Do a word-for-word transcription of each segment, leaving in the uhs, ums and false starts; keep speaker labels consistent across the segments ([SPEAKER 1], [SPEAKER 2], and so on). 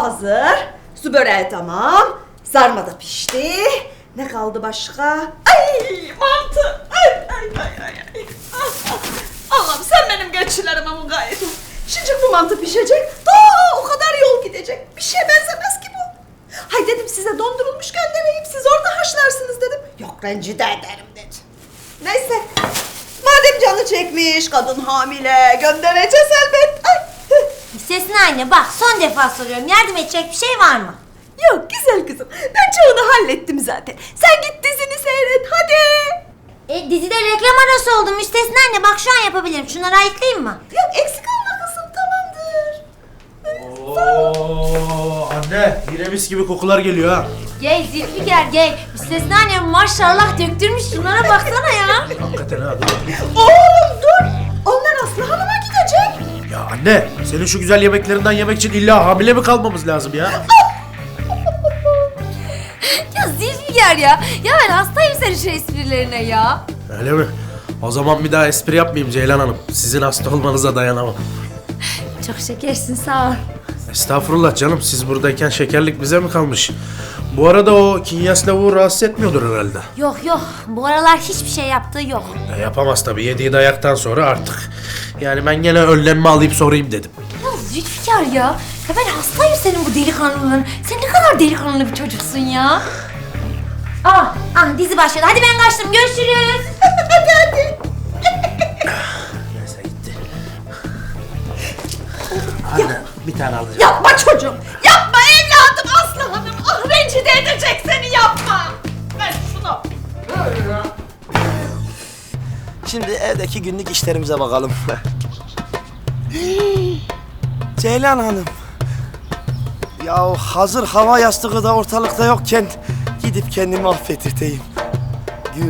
[SPEAKER 1] hazır. Su böreği tamam. Sarma da pişti. Ne kaldı başka? Ay mantı. Ay ay ay ay. ay. Ah, ah. Allah'ım sen benim geçilerime mukayyet ol. Şimdi bu mantı pişecek. Daha o kadar yol gidecek. Bir şeye benzemez ki bu. Hay dedim size dondurulmuş göndereyim. Siz orada haşlarsınız dedim. Yok rencide ederim dedi. Neyse. Madem canı çekmiş, kadın hamile, göndereceğiz elbet. Ay.
[SPEAKER 2] Müstesna anne bak son defa soruyorum. Yardım edecek bir şey var mı?
[SPEAKER 1] Yok güzel kızım. Ben çoğunu hallettim zaten. Sen git dizini seyret hadi.
[SPEAKER 2] E dizide reklam arası oldu Müstesna anne. Bak şu an yapabilirim. Şunları ayıklayayım mı?
[SPEAKER 1] Yok eksik olma kızım tamamdır.
[SPEAKER 3] Oo anne yine mis gibi kokular geliyor ha.
[SPEAKER 2] Gel Zülfikar gel. Müstesna anne maşallah döktürmüş. Şunlara baksana ya.
[SPEAKER 3] Hakikaten ha dur.
[SPEAKER 1] Oğlum dur. Onlar Aslı Hanım'a gidecek.
[SPEAKER 3] Ya anne senin şu güzel yemeklerinden yemek için illa hamile mi kalmamız lazım ya?
[SPEAKER 2] Ya Zülfikar ya. Ya ben hastayım senin şu esprilerine ya.
[SPEAKER 3] Öyle mi? O zaman bir daha espri yapmayayım Ceylan Hanım. Sizin hasta olmanıza dayanamam.
[SPEAKER 2] Çok şekersin sağ ol.
[SPEAKER 3] Estağfurullah canım siz buradayken şekerlik bize mi kalmış? Bu arada o Kinyas lavuğu rahatsız etmiyordur herhalde.
[SPEAKER 2] Yok yok. Bu aralar hiçbir şey yaptığı yok.
[SPEAKER 3] E, yapamaz tabii yediği dayaktan sonra artık. Yani ben gene önlenme alayım sorayım dedim.
[SPEAKER 2] Ya Zülfikar ya. Ya ben hastayım senin bu delikanlılığın. Sen ne kadar delikanlı bir çocuksun ya. Ah, ah dizi başladı. Hadi ben kaçtım. Görüşürüz.
[SPEAKER 1] Hadi hadi.
[SPEAKER 3] Neyse gitti. Anne bir tane alacağım.
[SPEAKER 1] Yapma çocuğum. Yapma evladım Aslı Hanım. Ah rencide edecek seni yapma. Ver şunu.
[SPEAKER 4] Şimdi evdeki günlük işlerimize bakalım. Ceylan Hanım. Ya hazır hava yastığı da ortalıkta yokken gidip kendimi affettirteyim. Gül.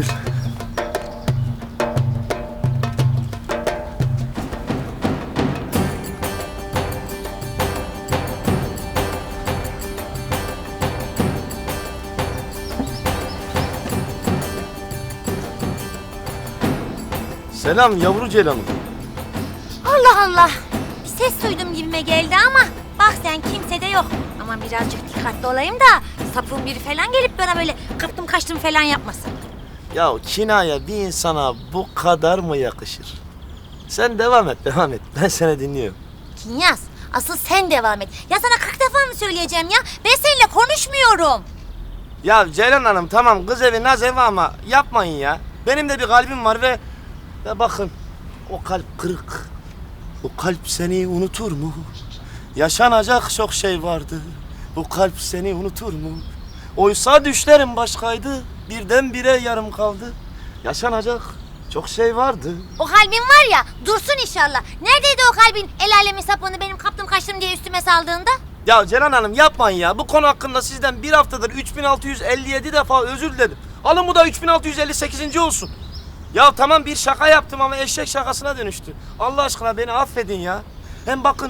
[SPEAKER 4] Selam yavru Ceylan'ım.
[SPEAKER 2] Allah Allah. Bir ses duydum gibime geldi ama bak sen kimse de yok. Aman birazcık dikkatli olayım da sapığın biri falan gelip bana böyle kaptım kaçtım falan yapmasın.
[SPEAKER 4] Ya kinaya bir insana bu kadar mı yakışır? Sen devam et, devam et. Ben seni dinliyorum.
[SPEAKER 2] Kinyas asıl sen devam et. Ya sana kırk defa mı söyleyeceğim ya? Ben seninle konuşmuyorum.
[SPEAKER 4] Ya Ceylan Hanım tamam kız evi naz evi ama yapmayın ya. Benim de bir kalbim var ve... Ve bakın o kalp kırık. O kalp seni unutur mu? Yaşanacak çok şey vardı. Bu kalp seni unutur mu? Oysa düşlerim başkaydı. Birdenbire yarım kaldı. Yaşanacak çok şey vardı.
[SPEAKER 2] O kalbin var ya dursun inşallah. Neredeydi o kalbin el alemin sapığını benim kaptım kaçtım diye üstüme saldığında?
[SPEAKER 4] Ya Ceylan Hanım yapmayın ya. Bu konu hakkında sizden bir haftadır üç bin altı yüz elli yedi defa özür diledim. Alın bu da üç bin altı yüz elli sekizinci olsun. Ya tamam bir şaka yaptım ama eşek şakasına dönüştü. Allah aşkına beni affedin ya. Hem bakın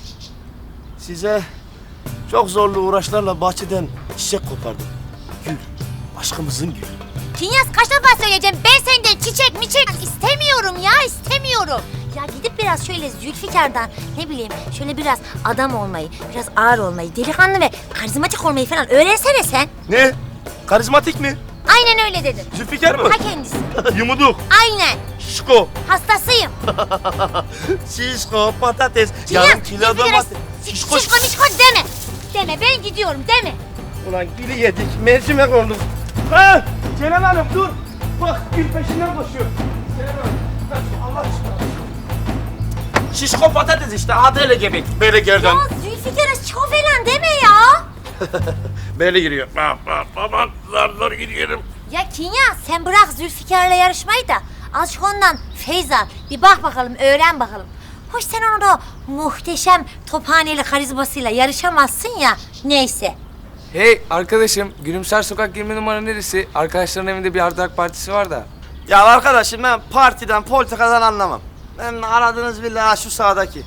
[SPEAKER 4] size çok zorlu uğraşlarla bahçeden çiçek kopardım. Gül, aşkımızın gülü.
[SPEAKER 2] Kinyas kaç defa söyleyeceğim ben senden çiçek miçek istemiyorum ya istemiyorum. Ya gidip biraz şöyle Zülfikar'dan ne bileyim şöyle biraz adam olmayı, biraz ağır olmayı, delikanlı ve karizmatik olmayı falan öğrensene sen.
[SPEAKER 4] Ne? Karizmatik mi?
[SPEAKER 2] Aynen öyle dedim.
[SPEAKER 4] Zülfikar mı?
[SPEAKER 2] Ta kendisi.
[SPEAKER 4] Yumuduk.
[SPEAKER 2] Aynen.
[SPEAKER 4] Şişko.
[SPEAKER 2] Hastasıyım.
[SPEAKER 4] Şişko, patates.
[SPEAKER 2] Kinyas,
[SPEAKER 4] Yarım kilo
[SPEAKER 2] Zülfikar,
[SPEAKER 4] domates.
[SPEAKER 2] Şişko şişko mişko deme. Deme ben gidiyorum deme.
[SPEAKER 4] Ulan gülü yedik, mercimek olduk. Ha! Ceylan Hanım dur! Bak gül peşinden koşuyor. Ceylan Hanım, kaç, Allah aşkına. Şişko patates işte, adıyla gebek. Böyle gerden.
[SPEAKER 2] Ya Zülfikar'a şişko falan deme ya.
[SPEAKER 4] Böyle giriyor. Bak bak bak, zar zar gidiyorum.
[SPEAKER 2] Ya Kinyas sen bırak Zülfikar'la yarışmayı da azıcık ondan feyz al. Bir bak bakalım öğren bakalım. Hoş sen onu da muhteşem tophaneli karizmasıyla yarışamazsın ya. Neyse.
[SPEAKER 5] Hey arkadaşım, Gülümser Sokak yirmi numara neresi? Arkadaşların evinde bir ardak partisi var da.
[SPEAKER 4] Ya arkadaşım ben partiden, politikadan anlamam. Ben aradığınız villa şu sağdaki.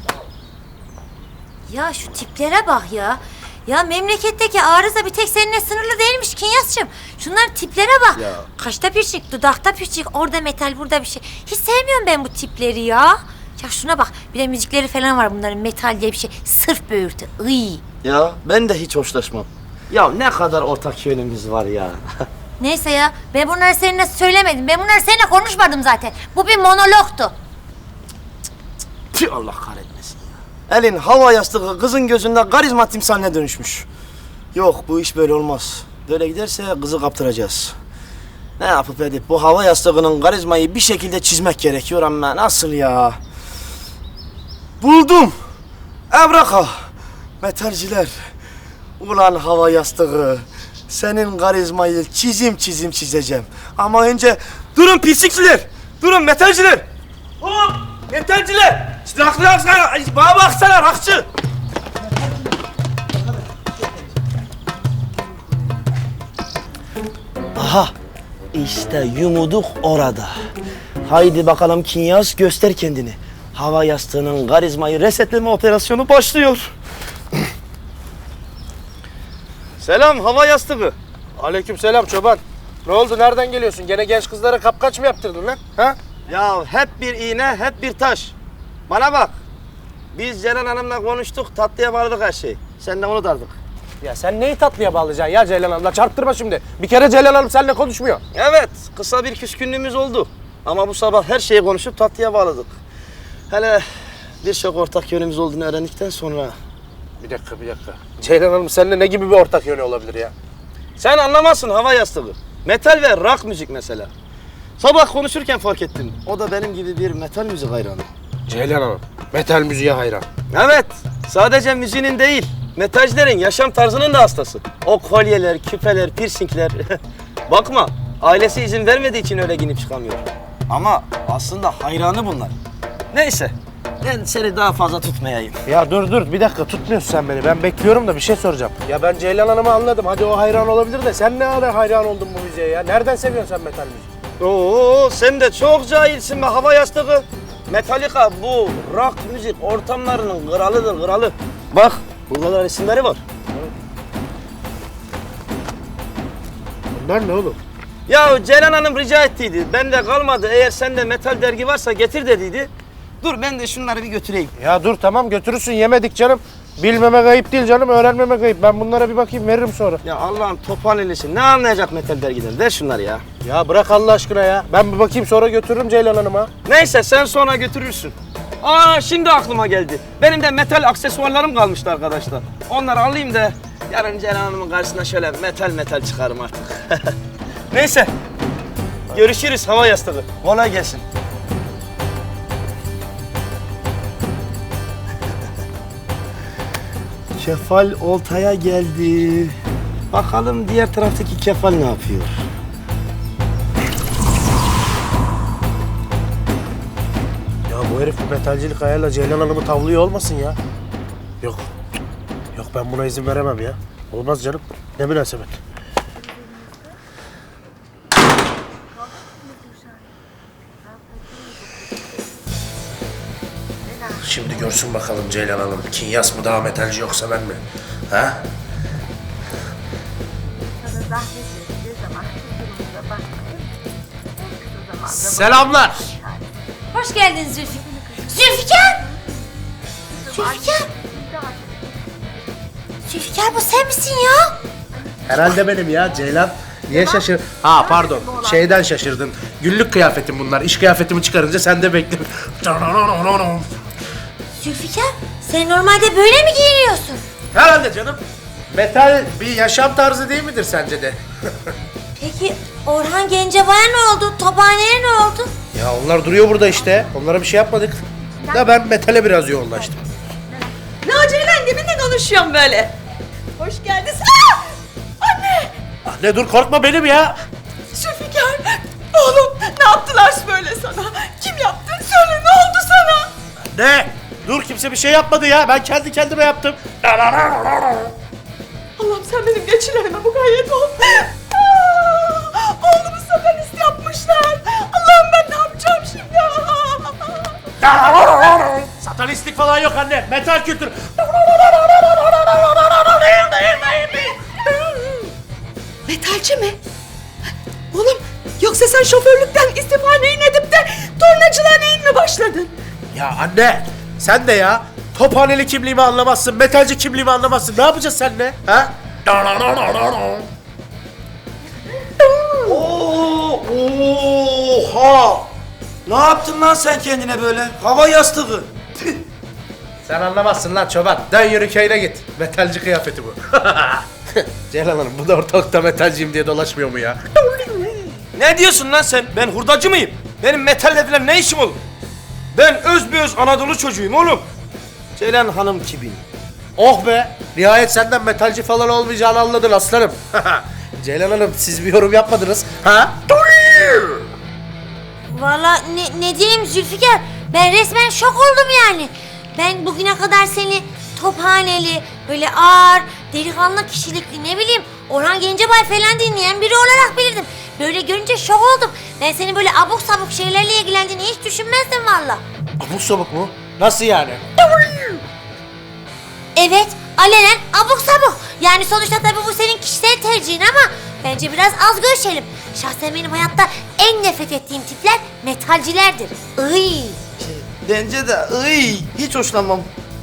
[SPEAKER 2] Ya şu tiplere bak ya. Ya memleketteki arıza bir tek seninle sınırlı değilmiş Kinyas'cığım. Şunların tiplere bak.
[SPEAKER 4] Ya.
[SPEAKER 2] Kaşta pirçik, dudakta pirçik, orada metal, burada bir şey. Hiç sevmiyorum ben bu tipleri ya. Ya şuna bak, bir de müzikleri falan var bunların, metal diye bir şey. Sırf böğürtü. Iy.
[SPEAKER 4] Ya ben de hiç hoşlaşmam. Ya ne kadar ortak yönümüz var ya.
[SPEAKER 2] Neyse ya, ben bunları seninle söylemedim. Ben bunları seninle konuşmadım zaten. Bu bir monologtu.
[SPEAKER 4] Tüh, Allah kahretmesin ya. Elin hava yastığı kızın gözünde karizma timsaline dönüşmüş. Yok, bu iş böyle olmaz. Böyle giderse kızı kaptıracağız. Ne yapıp edip bu hava yastığının karizmayı bir şekilde çizmek gerekiyor ama nasıl ya? Buldum. Evraka. Metalciler. Ulan hava yastığı. Senin karizmayı çizim çizim çizeceğim. Ama önce durun pislikçiler. Durun metalciler. Hop metalciler. Raklı baksana. Bana baksana rakçı. Aha. İşte yumuduk orada. Haydi bakalım Kinyas, göster kendini. Hava yastığının karizmayı resetleme operasyonu başlıyor. Selam hava yastığı.
[SPEAKER 3] Aleykümselam çoban. Ne oldu, nereden geliyorsun? Gene genç kızlara kapkaç mı yaptırdın lan? Ha?
[SPEAKER 4] Ya hep bir iğne, hep bir taş. Bana bak. Biz Ceren Hanım'la konuştuk, tatlıya bağladık her şeyi. Sen de unut artık.
[SPEAKER 3] Ya sen neyi tatlıya bağlayacaksın ya Ceylan Hanım'la? Çarptırma şimdi. Bir kere Ceylan Hanım seninle konuşmuyor.
[SPEAKER 4] Evet, kısa bir küskünlüğümüz oldu. Ama bu sabah her şeyi konuşup tatlıya bağladık. Hele birçok ortak yönümüz olduğunu öğrendikten sonra...
[SPEAKER 3] Bir dakika, bir dakika. Ceylan Hanım seninle ne gibi bir ortak yönü olabilir ya?
[SPEAKER 4] Sen anlamazsın hava yastığı. Metal ve rock müzik mesela. Sabah konuşurken fark ettim. O da benim gibi bir metal müzik hayranı.
[SPEAKER 3] Ceylan Hanım metal müziğe hayran.
[SPEAKER 4] Evet, sadece müziğinin değil, metalcilerin yaşam tarzının da hastası. O kolyeler, küpeler, piercingler. Bakma, ailesi izin vermediği için öyle giyinip çıkamıyor. Ama aslında hayranı bunlar. Neyse, ben seni daha fazla tutmayayım.
[SPEAKER 3] Ya dur dur, bir dakika, tutmuyorsun sen beni. Ben bekliyorum da bir şey soracağım. Ya ben Ceylan Hanım'ı anladım. Hadi o hayran olabilir de sen ne ara hayran oldun bu müziğe ya? Nereden seviyorsun sen metal müziği?
[SPEAKER 4] Oo, sen de çok cahilsin be hava yastığı. Metallica bu rock müzik ortamlarının kralıdır, kralı. Bak, burada da resimleri var.
[SPEAKER 3] Bunlar ne oğlum?
[SPEAKER 4] Ya Ceylan Hanım rica ettiydi. Ben de kalmadı. Eğer sende metal dergi varsa getir dediydi. Dur ben de şunları bir götüreyim.
[SPEAKER 3] Ya dur tamam, götürürsün, yemedik canım. Bilmemek ayıp değil canım, öğrenmemek ayıp. Ben bunlara bir bakayım, veririm sonra.
[SPEAKER 4] Ya Allah'ım topan elisi. Ne anlayacak metal dergiden? Ver şunları ya.
[SPEAKER 3] Ya bırak Allah aşkına ya. Ben bir bakayım, sonra götürürüm Ceylan Hanım'a.
[SPEAKER 4] Neyse sen sonra götürürsün. Aa şimdi aklıma geldi. Benim de metal aksesuarlarım kalmıştı arkadaşlar. Onları alayım da yarın Ceylan Hanım'ın karşısına şöyle metal metal çıkarım artık. Neyse. Görüşürüz hava yastığı. Kolay gelsin. Kefal oltaya geldi. Bakalım diğer taraftaki kefal ne yapıyor?
[SPEAKER 3] Ya bu herif bu metalcilik ayarla Ceylan Hanım'ı tavlıyor olmasın ya. Yok. Yok, ben buna izin veremem ya. Olmaz canım. Ne münasebet. Şimdi görsün bakalım Ceylan Hanım. Kinyas mı daha metalci yoksa ben mi? Ha? Selamlar.
[SPEAKER 2] Hoş geldin Zülfikar. Zülfikar! Zülfikar! Zülfikar, bu sen misin ya?
[SPEAKER 3] Herhalde benim ya Ceylan. Niye şaşır? Ha pardon, şeyden şaşırdın. Günlük kıyafetim bunlar. İş kıyafetimi çıkarınca sen de bekle.
[SPEAKER 2] Zülfikar, sen normalde böyle mi giyiniyorsun?
[SPEAKER 3] Herhalde canım. Metal bir yaşam tarzı değil midir sence de?
[SPEAKER 2] Peki Orhan Gencebay'a ne oldu? Tophane'ye ne oldu?
[SPEAKER 3] Ya onlar duruyor burada işte. Onlara bir şey yapmadık. Da ben metale biraz yoğunlaştım.
[SPEAKER 1] Ne o Ceylan, kiminle konuşuyorsun böyle? Hoş geldin. Aa! Anne!
[SPEAKER 3] Anne dur, korkma, benim ya.
[SPEAKER 1] Zülfikar! Oğlum ne yaptılar böyle sana? Kim yaptı? Söyle, ne oldu sana?
[SPEAKER 3] Ne? Dur, kimse bir şey yapmadı ya. Ben kendi kendime yaptım.
[SPEAKER 1] Allah'ım sen benim geçilerime mukayyet ol. Aa! Oğlumu satanist yapmışlar. Allah'ım ben ne yapacağım şimdi?
[SPEAKER 3] Satanistlik falan yok anne. Metal kültür.
[SPEAKER 1] Metalci mi? Oğlum yoksa sen şoförlükten istifa neyin edip de tornacılığa neyin mi başladın?
[SPEAKER 3] Ya anne, sen de ya. Tophaneli kimliğimi anlamazsın, metalci kimliğimi anlamazsın. Ne yapacağız seninle? Ha?
[SPEAKER 4] Oo, oha! Ne yaptın lan sen kendine böyle? Hava yastığı.
[SPEAKER 3] Sen anlamazsın lan çoban. Dön yürü köyüne git. Metalci kıyafeti bu. Ceylan Hanım bu da ortalıkta metalciyim diye dolaşmıyor mu ya?
[SPEAKER 4] Ne diyorsun lan sen? Ben hurdacı mıyım? Benim metalle falan ne işim olur? Ben özbeöz Anadolu çocuğuyum oğlum. Ceylan Hanım kimin?
[SPEAKER 3] Oh be! Nihayet senden metalci falan olmayacağını anladın aslanım. Ceylan Hanım siz bir yorum yapmadınız. Ha?
[SPEAKER 2] Vallahi ne, ne diyeyim Zülfikar? Ben resmen şok oldum yani. Ben bugüne kadar seni tophaneli, böyle ağır, delikanlı kişilikli ne bileyim Orhan Gencebay falan dinleyen biri olarak bilirdim. Böyle görünce şok oldum. Ben senin böyle abuk sabuk şeylerle ilgilendiğini hiç düşünmezdim valla.
[SPEAKER 3] Abuk sabuk mu? Nasıl yani?
[SPEAKER 2] Evet, alenen abuk sabuk. Yani sonuçta tabii bu senin kişisel tercihin ama bence biraz az görüşelim. Şahsen benim hayatta en nefret ettiğim tipler metalcilerdir. Iy.
[SPEAKER 4] Bence de ıy, hiç hoşlanmam.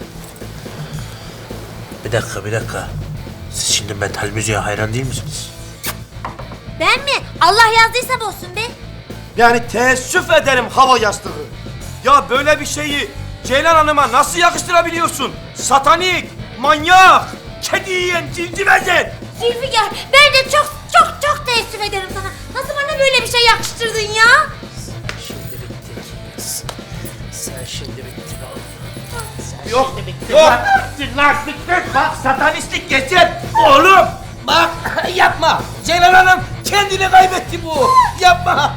[SPEAKER 3] Bir dakika bir dakika. Siz şimdi metal müziğe hayran değil misiniz?
[SPEAKER 2] Ben mi? Allah yazdıysa bozsun be.
[SPEAKER 4] Yani teessüf ederim hava yastığı. Ya böyle bir şeyi Ceylan Hanım'a nasıl yakıştırabiliyorsun? Satanik, manyak, kedi yiyen, civcivezen.
[SPEAKER 2] Zülfikar, ben de çok çok çok teessüf ederim sana. Nasıl bana böyle bir şey yakıştırdın ya?
[SPEAKER 3] Şimdi bittik. Sen şimdi bittin oğlum.
[SPEAKER 4] Yok, yok. Lastiklik bak, satanistlik geçer. Oğlum, bak yapma. Ceylan Hanım kendini kaybetti bu. Yapma.